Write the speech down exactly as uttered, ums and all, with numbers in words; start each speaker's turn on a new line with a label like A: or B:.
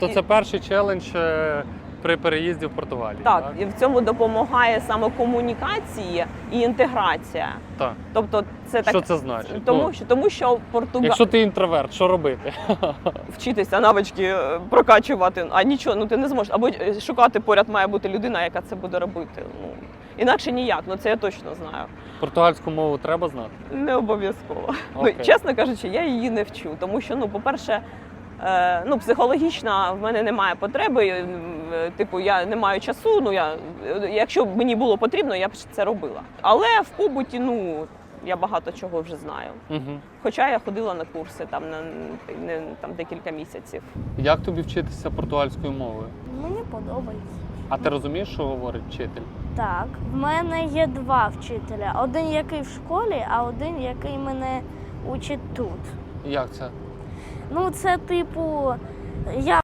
A: То це перший челендж е, при переїзді в Португалію,
B: Так,
A: так?
B: і в цьому допомагає саме комунікація і інтеграція.
A: Так.
B: Тобто це так.
A: Що це значить?
B: Тому
A: Ну,
B: що тому що Португа...
A: Якщо ти інтроверт, що робити?
B: вчитися навички е, прокачувати, а нічого, ну ти не зможеш. Або е, шукати поряд має бути людина, яка це буде робити. Ну інакше ніяк, ну це я точно знаю.
A: Португальську мову треба знати?
B: Не обов'язково. Ну,
A: Окей.
B: чесно кажучи, я її не вчу, тому що, ну, по-перше, е, ну, психологічно в мене немає потреби, е, типу, я не маю часу, ну, я, якщо б мені було потрібно, я б це робила. Але в побуті, ну, я багато чого вже знаю.
A: Угу.
B: Хоча я ходила на курси там на не, там, декілька місяців.
A: Як тобі вчитися португальською мовою?
C: Мені подобається.
A: А ти розумієш, що говорить вчитель?
C: Так, в мене є два вчителя. Один, який в школі, а один, який мене учить тут.
A: Як це?
C: Ну, це типу, я